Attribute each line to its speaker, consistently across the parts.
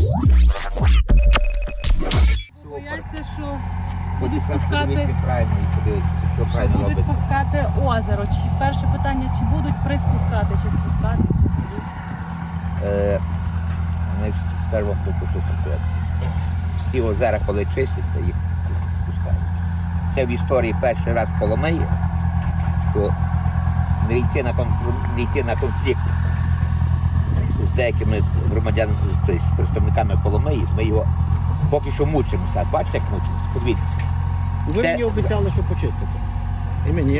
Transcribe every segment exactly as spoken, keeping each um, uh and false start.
Speaker 1: Бояться, що будуть спускати,
Speaker 2: правильно і подивитися, що
Speaker 1: що
Speaker 2: правильно
Speaker 1: будуть
Speaker 2: робиться.
Speaker 1: спускати озеро. Чи перше питання, чи будуть приспускати, чи спускати?
Speaker 2: Е, Значить, скажу вам таку що ситуацію. Всі озера, коли чистяться, їх спускають. Це в історії перший раз в Коломиї, що не йти на, кон- не йти на конфлікт з деякими громадянами, тобто з представниками Коломиї, ми його поки що мучимося. Бачите, як мучимося? Подивіться.
Speaker 3: Ви
Speaker 2: Це-
Speaker 3: мені обіцяли, що почистите. І мені.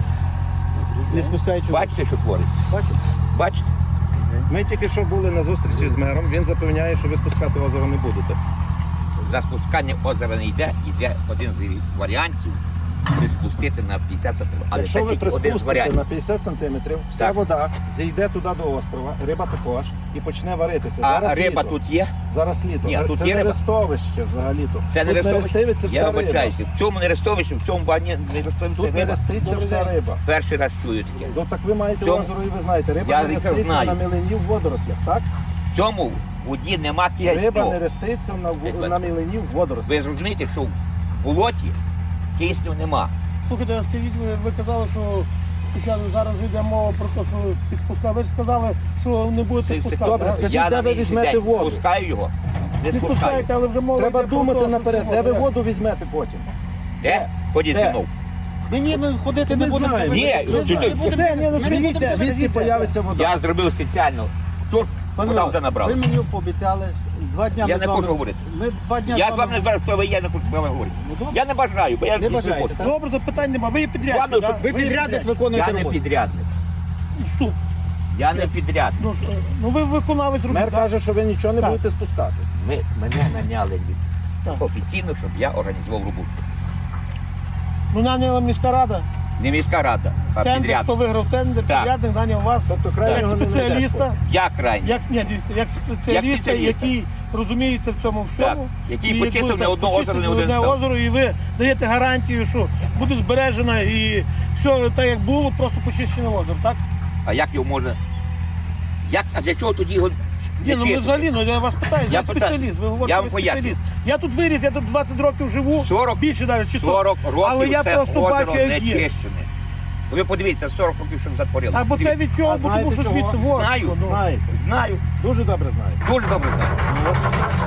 Speaker 3: Не спускаючи.
Speaker 2: Бачите, що твориться?
Speaker 3: Бачите?
Speaker 2: Бачите?
Speaker 4: Ми тільки що були на зустрічі з мером, він запевняє, що ви спускати озеро не будете.
Speaker 2: За спускання озера не йде, йде один з варіантів приспустити на п'ятдесят сантиметрів. Але
Speaker 4: Якщо
Speaker 2: це
Speaker 4: ви
Speaker 2: тільки один з
Speaker 4: приспустите
Speaker 2: варіантів.
Speaker 4: на п'ятдесят сантиметрів, вся
Speaker 2: Так.
Speaker 4: вода зійде туди до острова, риба також, і почне варитися.
Speaker 2: А
Speaker 4: Зараз
Speaker 2: риба
Speaker 4: літо.
Speaker 2: тут є?
Speaker 4: Зараз літо.
Speaker 2: Ні, тут
Speaker 4: це
Speaker 2: є
Speaker 4: не
Speaker 2: риба.
Speaker 4: рестовище взагалі-то.
Speaker 2: Це не
Speaker 4: тут не
Speaker 2: рестовище?
Speaker 4: рестивиться
Speaker 2: Я
Speaker 4: вся риба.
Speaker 2: вибачаюся. В цьому не рестовищі, в цьому бані не рестовищі
Speaker 4: Тут не
Speaker 2: риба.
Speaker 4: реститься вся риба.
Speaker 2: Перший раз чую таке.
Speaker 4: Ну так ви маєте
Speaker 2: Цьому-
Speaker 4: озеро і ви знаєте, риба
Speaker 2: Я
Speaker 4: не
Speaker 2: якраз
Speaker 4: реститься
Speaker 2: знаю.
Speaker 4: на мілині в водорослях, так?
Speaker 2: В цьому воді нема
Speaker 4: Риба не
Speaker 2: кисню.
Speaker 4: реститься на, в-
Speaker 2: Риба.
Speaker 4: на мілині в водорослях.
Speaker 2: Ви зрозумієте, що в болоті кисню нема.
Speaker 5: Слухайте, а скажіть, ви, ви казали, що спочатку зараз йде мова про те, що підспускати. Ви ж сказали, що не будете
Speaker 2: Це- це
Speaker 5: спускати.
Speaker 4: добре,
Speaker 5: а?
Speaker 4: скажіть,
Speaker 2: Я
Speaker 4: де
Speaker 2: на
Speaker 4: ви
Speaker 2: інший
Speaker 4: візьмете
Speaker 2: день
Speaker 4: воду?
Speaker 2: спускаю його, не
Speaker 5: Ви
Speaker 2: спускаю.
Speaker 5: спускаєте, але вже мова
Speaker 4: Треба
Speaker 5: йде про
Speaker 4: думати
Speaker 5: те, що
Speaker 4: наперед,
Speaker 5: це
Speaker 4: де ви
Speaker 5: вода.
Speaker 4: воду візьмете потім.
Speaker 2: Де? Ходіть
Speaker 4: Де?
Speaker 2: зі мною.
Speaker 5: Ні, ні, ми ходити
Speaker 4: Ми
Speaker 5: не будемо.
Speaker 4: знаємо.
Speaker 2: Ні,
Speaker 5: Ми
Speaker 2: ну,
Speaker 5: знаємо.
Speaker 2: ти-
Speaker 5: Не будемо-
Speaker 4: Де, ні, ну
Speaker 5: ми не
Speaker 4: скажіть,
Speaker 5: будемо
Speaker 4: де, звідки
Speaker 5: сидіти.
Speaker 4: появиться вода?
Speaker 2: Я зробив спеціально. Сурф, вода вже набрала.
Speaker 3: Ви мені пообіцяли два дня
Speaker 2: Я
Speaker 3: ми
Speaker 2: не
Speaker 3: з вами-
Speaker 2: хочу говорити.
Speaker 3: Ми два дня
Speaker 2: Я
Speaker 3: з
Speaker 2: з вами не збираю, хто ви є, не хочу з вами говорити.
Speaker 3: Ну, добре.
Speaker 2: Я не бажаю, бо я
Speaker 3: Не
Speaker 2: не
Speaker 3: бажаєте,
Speaker 2: хочу.
Speaker 3: так?
Speaker 5: Добре, запитань нема. Ви є підрядник,
Speaker 2: Ладно,
Speaker 5: так?
Speaker 2: щоб
Speaker 3: Ви підрядник виконуєте
Speaker 2: Я не
Speaker 3: роботу.
Speaker 2: підрядник.
Speaker 5: Суп.
Speaker 2: Я не підрядник.
Speaker 5: Ну, ж, е, ну ви виконавець робіт.
Speaker 4: Мер
Speaker 5: так?
Speaker 4: каже, що ви нічого не
Speaker 5: Так.
Speaker 4: будете спускати.
Speaker 2: Ми, мене наняли від-
Speaker 5: Так.
Speaker 2: офіційно, щоб я організував роботу.
Speaker 5: Ну, наняла міська рада.
Speaker 2: Не міська рада, а
Speaker 5: Тендер, хто
Speaker 2: підрядник.
Speaker 5: виграв тендер,
Speaker 2: Так.
Speaker 5: підрядник наняв вас.
Speaker 4: Тобто
Speaker 5: Як
Speaker 4: крайнього не
Speaker 5: спеціаліста,
Speaker 4: знайдеш.
Speaker 2: Я крайній.
Speaker 5: як, ні, дивіться, як спеціаліста,
Speaker 2: спеціаліста.
Speaker 5: який розуміється в цьому всьому.
Speaker 2: Так, який
Speaker 5: І
Speaker 2: почистив
Speaker 5: будете
Speaker 2: не одне озеро,
Speaker 5: почистити
Speaker 2: не один
Speaker 5: одне
Speaker 2: став.
Speaker 5: озеро, і ви даєте гарантію, що буде збережено і все так, як було, просто почищене озеро, так?
Speaker 2: А як його можна? Як, а для чого тоді його
Speaker 5: Ні,
Speaker 2: не
Speaker 5: ну ми
Speaker 2: чистити?
Speaker 5: взагалі, ну я вас питаю,
Speaker 2: Я
Speaker 5: я
Speaker 2: питаю.
Speaker 5: спеціаліст, ви говорите,
Speaker 2: Я
Speaker 5: ви
Speaker 2: вам поясню.
Speaker 5: спеціаліст. Я тут виріс, я тут двадцять років живу,
Speaker 2: сорок,
Speaker 5: більше навіть, чи сто.
Speaker 2: сорок років
Speaker 5: Але я
Speaker 2: це
Speaker 5: просто
Speaker 2: озеро
Speaker 5: бачу, як
Speaker 2: не
Speaker 5: є.
Speaker 2: чищене. Ви подивіться, сорок років, щоб затворили.
Speaker 5: Або це від чого,
Speaker 4: А
Speaker 5: бо
Speaker 4: знаєте
Speaker 5: тому що
Speaker 4: чого?
Speaker 5: звідси во,
Speaker 2: Знаю.
Speaker 5: ну.
Speaker 4: Знаєте,
Speaker 2: Знаю,
Speaker 4: дуже добре знаєте.
Speaker 2: дуже добре знаю.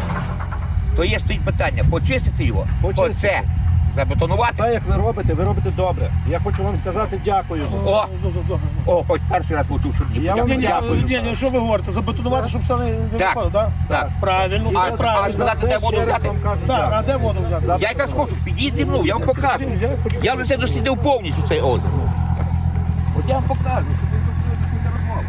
Speaker 2: То є стоїть питання, почистити його,
Speaker 4: Почистити.
Speaker 2: оце, забетонувати.
Speaker 4: Так, як ви робите, ви робите добре. Я хочу вам сказати дякую за це.
Speaker 2: О!
Speaker 5: Добре, добре.
Speaker 2: О, хоч перший раз почув, що мені
Speaker 4: Я вам
Speaker 5: Ні, ні,
Speaker 2: дякую.
Speaker 5: ні, ні, що ви говорите? Забетонувати, щоб все не, не
Speaker 2: Так,
Speaker 5: випало, так?
Speaker 2: так.
Speaker 5: Правильно,
Speaker 4: І
Speaker 2: А-
Speaker 4: за-
Speaker 5: правильно.
Speaker 2: а сказати,
Speaker 4: за це
Speaker 2: де воду
Speaker 4: ще раз
Speaker 2: взяти?
Speaker 4: вам кажу
Speaker 5: Так, а
Speaker 4: дякую.
Speaker 5: де воду взяти?
Speaker 4: За-
Speaker 2: Я якраз хочу, підіть зі мною, я вам покажу.
Speaker 5: Я хочу-
Speaker 2: Я вже це дослідив повністю цей озеро. От я вам покажу, щоб ви зрозуміли, що це розмова.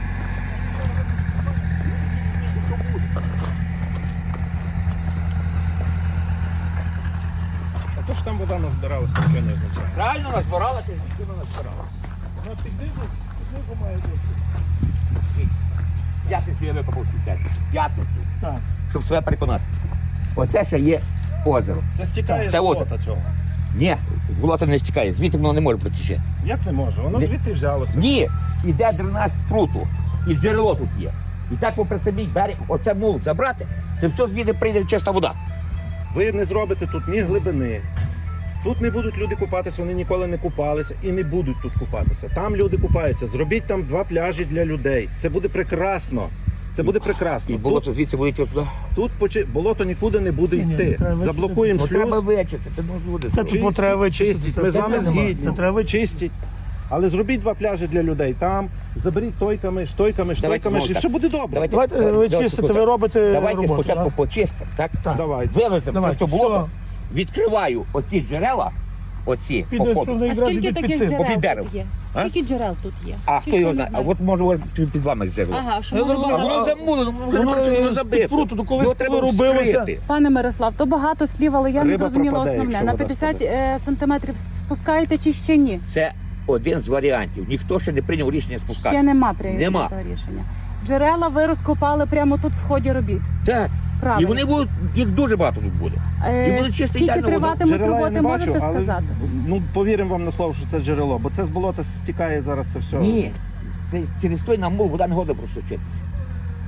Speaker 4: А то ж там вода назбиралася, нічого не означає.
Speaker 2: Правильно розбиралася, ніхто не розбирала.
Speaker 5: Ну, піднизу, піднизу має бути.
Speaker 2: П'ятницю я викопав спеціально. П'ятницю.
Speaker 5: Так.
Speaker 2: Щоб себе переконати. Оце ще є озеро.
Speaker 4: Це стікає
Speaker 2: Це
Speaker 4: з болота
Speaker 2: от.
Speaker 4: цього.
Speaker 2: Ні, болото не стікає, звідти воно не може протіче.
Speaker 4: Як не може? Воно
Speaker 2: Не-
Speaker 4: звідти взялося.
Speaker 2: Ні, іде дренаж пруту, і джерело тут є. І так попри самий берег, оце мул забрати, це все звідти прийде чиста вода.
Speaker 4: Ви не зробите тут ні глибини. Тут не будуть люди купатися, вони ніколи не купалися і не будуть тут купатися. Там люди купаються. Зробіть там два пляжі для людей. Це буде прекрасно. Це буде прекрасно.
Speaker 2: І болото звідси буде йти туди.
Speaker 4: Тут, тут почи... болото нікуди не буде
Speaker 5: Ні, ні,
Speaker 4: йти.
Speaker 5: треба вичистити.
Speaker 4: Заблокуємо
Speaker 2: Ну треба
Speaker 4: шлюз.
Speaker 2: вичистити, ну люди.
Speaker 5: Це тут от треба вичистити.
Speaker 4: Чистіть. Ми з
Speaker 5: Це
Speaker 4: вами
Speaker 5: треба.
Speaker 4: згідні.
Speaker 5: Це треба вичистити.
Speaker 4: Чистіть. Але зробіть два пляжі для людей там, заберіть тойками, штойками, штойками,
Speaker 2: ну,
Speaker 4: і
Speaker 2: так.
Speaker 4: все буде добре.
Speaker 2: Давайте,
Speaker 5: Давайте ви
Speaker 2: давайте
Speaker 5: чистите,
Speaker 2: так.
Speaker 5: ви робите
Speaker 2: Давайте
Speaker 5: роботу,
Speaker 2: спочатку
Speaker 5: так?
Speaker 2: почистимо, так?
Speaker 5: Так.
Speaker 4: Давайте.
Speaker 2: Вивеземо
Speaker 5: Давай,
Speaker 2: це все болото,
Speaker 5: все.
Speaker 2: відкриваю оці джерела, оці
Speaker 5: Під,
Speaker 2: по
Speaker 5: що
Speaker 2: ходу.
Speaker 5: вони
Speaker 1: А
Speaker 5: якраз
Speaker 1: скільки
Speaker 5: йдуть під
Speaker 1: таких
Speaker 5: цим.
Speaker 1: джерел
Speaker 2: Попід дерево.
Speaker 1: тут є?
Speaker 2: А?
Speaker 1: Скільки джерел тут є?
Speaker 2: А
Speaker 1: Чи
Speaker 2: хто
Speaker 1: що
Speaker 2: його
Speaker 1: не
Speaker 2: знає? А
Speaker 1: знаю?
Speaker 2: от може ось під вами джерело.
Speaker 1: Ага, що
Speaker 5: Я
Speaker 1: може
Speaker 5: зрозумів.
Speaker 1: багато-
Speaker 2: Воно замулено,
Speaker 5: Воно
Speaker 2: воно просто
Speaker 5: з
Speaker 2: забито.
Speaker 5: пруту, то коли
Speaker 2: Його треба
Speaker 5: робилося.
Speaker 2: вскрити.
Speaker 1: Пане Мирослав, то багато слів, але я не
Speaker 4: Риба
Speaker 1: зрозуміла
Speaker 4: пропаде,
Speaker 1: основне.
Speaker 4: якщо
Speaker 1: На
Speaker 4: вода
Speaker 1: п'ятдесят
Speaker 4: спаде.
Speaker 1: е, сантиметрів спускаєте чи ще ні?
Speaker 2: Це один з варіантів. Ніхто ще не прийняв рішення спускати.
Speaker 1: Ще нема прийнятого
Speaker 2: Нема.
Speaker 1: рішення. Джерела ви розкопали прямо тут в ході робіт.
Speaker 2: Так.
Speaker 1: Правильно.
Speaker 2: І вони будуть, їх дуже багато тут буде.
Speaker 1: Е,
Speaker 2: і буде чисто
Speaker 1: Скільки
Speaker 2: ідеально вода.
Speaker 1: триватимуть
Speaker 4: Джерела я
Speaker 1: роботи,
Speaker 4: не бачу,
Speaker 1: можете
Speaker 4: але
Speaker 1: сказати?
Speaker 4: ну повіримо вам на слово, що це джерело, бо це з болота стікає зараз це все.
Speaker 2: Ні, це через той намул вода не года просочитися.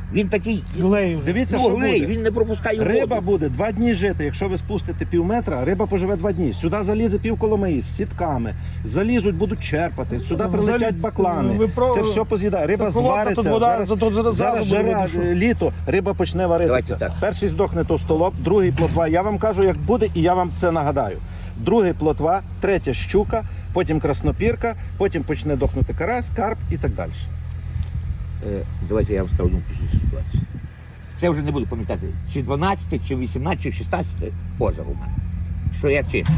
Speaker 2: Він такий,
Speaker 5: Глею.
Speaker 4: Дивіться,
Speaker 2: ну,
Speaker 4: що
Speaker 2: глей,
Speaker 4: буде.
Speaker 2: він не пропускає
Speaker 4: Риба
Speaker 2: воду.
Speaker 4: буде два дні жити. Якщо ви спустите пів метра, риба поживе два дні. Сюди залізе пів Коломиї з сітками. Залізуть, будуть черпати. Сюди
Speaker 5: Ну,
Speaker 4: прилетять
Speaker 5: взагалі,
Speaker 4: баклани.
Speaker 5: ви про-
Speaker 4: Це все поз'їдає. Риба
Speaker 5: Це колодка,
Speaker 4: звариться.
Speaker 5: тут вода,
Speaker 4: Зараз,
Speaker 5: тут зараз
Speaker 4: зараз
Speaker 5: буде
Speaker 4: жара,
Speaker 5: видно, що-
Speaker 4: літо, риба почне варитися.
Speaker 2: Давайте так.
Speaker 4: Перший здохне товстолоб, другий плотва. Я вам кажу, як буде, і я вам це нагадаю. Другий плотва, третя щука, потім краснопірка, потім почне дохнути карась, карп і так далі.
Speaker 2: Е, Давайте я вам скажу одну пішну ситуацію. Це вже не буду пам'ятати, чи дванадцяте, чи вісімнадцяте, чи шістнадцяте озеро у мене. Що я чистив.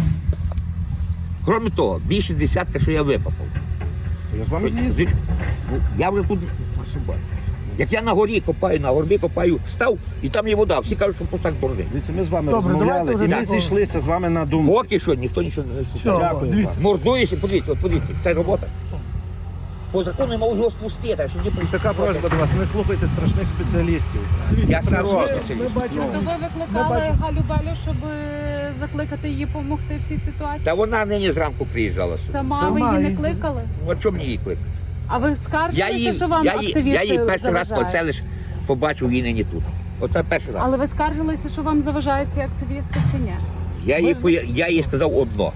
Speaker 2: Крім того, більше десятка, що я випапав.
Speaker 4: Я з вами згідний.
Speaker 2: Ну, я вже тут ошибаюсь. Як я на горі копаю, на горбі копаю, став, і там є вода. Всі кажуть, що пустак борги.
Speaker 4: Дивіться, ми з вами
Speaker 5: Добре,
Speaker 4: розмовляли,
Speaker 5: давайте
Speaker 4: і
Speaker 5: вже
Speaker 4: ми
Speaker 5: такого.
Speaker 4: зійшлися з вами на думку.
Speaker 2: Поки що ніхто нічого не
Speaker 5: Все,
Speaker 2: знає.
Speaker 4: Дякую
Speaker 5: дивіться.
Speaker 4: вам.
Speaker 2: Мордуєш і подивіться, от подивіться, це робота. По закону я можу його спустити, а що не
Speaker 4: Така просьба до вас, не слухайте страшних спеціалістів.
Speaker 2: Я сам
Speaker 5: Ми,
Speaker 2: зробив
Speaker 5: ми бачимо.
Speaker 1: То ви викликали
Speaker 5: бачимо.
Speaker 1: Галю Белю, щоб е, закликати її допомогти в цій ситуації?
Speaker 2: Та вона нині зранку приїжджала сюди.
Speaker 1: Сама
Speaker 5: Сама
Speaker 1: ви її не
Speaker 5: її-
Speaker 1: кликали?
Speaker 2: Ну, а чому мені її кликати?
Speaker 1: А ви
Speaker 2: Я
Speaker 1: скаржилися,
Speaker 2: її,
Speaker 1: що вам
Speaker 2: я її,
Speaker 1: активісти
Speaker 2: я її перший раз
Speaker 1: заважають?
Speaker 2: оце лише побачив її нині тут. Оце перший раз.
Speaker 1: Але ви скаржилися, що вам заважають ці активісти чи ні?
Speaker 2: Я їй,
Speaker 5: Ми-
Speaker 2: поя- я їй сказав одно.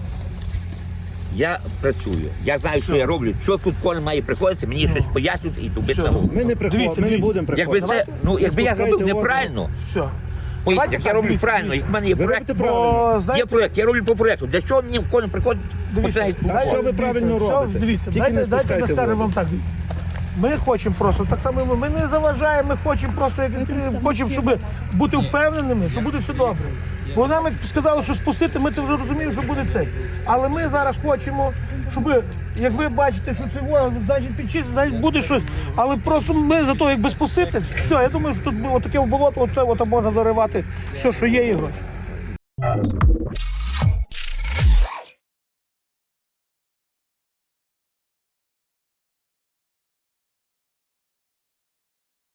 Speaker 2: Я працюю, я знаю, що я роблю. Що тут кожен має приходити, мені щось пояснюють і дубити на голову.
Speaker 4: Ми не приходимо,
Speaker 5: Дивіться,
Speaker 4: ми не
Speaker 5: дивіться.
Speaker 4: будемо
Speaker 2: Якби
Speaker 4: приходити.
Speaker 2: це, ну, якби я
Speaker 4: спускайте
Speaker 2: зробив
Speaker 4: озеро.
Speaker 2: неправильно,
Speaker 5: Все.
Speaker 2: поясню,
Speaker 5: Давайте
Speaker 2: як я
Speaker 5: так,
Speaker 2: роблю
Speaker 5: дивіться,
Speaker 2: правильно, як в мене є
Speaker 4: Ви
Speaker 2: проєкт,
Speaker 4: робите правильно.
Speaker 5: Бо,
Speaker 2: є
Speaker 5: знаєте,
Speaker 2: проєкт, я роблю по проєкту. Для чого мені кожен приходить,
Speaker 5: Дивіться,
Speaker 2: починає
Speaker 4: Так що ви правильно
Speaker 5: все,
Speaker 4: робите?
Speaker 5: Дивіться,
Speaker 4: Тільки
Speaker 5: дайте,
Speaker 4: не
Speaker 5: дайте
Speaker 4: спускайте
Speaker 5: ми скажемо
Speaker 4: воду.
Speaker 5: вам так. Дивіться. Ми хочемо просто, так само і ми, ми не заважаємо, ми хочемо просто, як, хочемо, щоб бути впевненими, що буде все добре. Бо нам сказали, що спустити, ми це вже розуміємо, що буде це. Але ми зараз хочемо, щоб, як ви бачите, що це воно, значить підчистити, значить буде щось. Але просто ми за те, якби спустити, все, я думаю, що тут було таке в болото, оце от можна заривати все, що є, і гроші.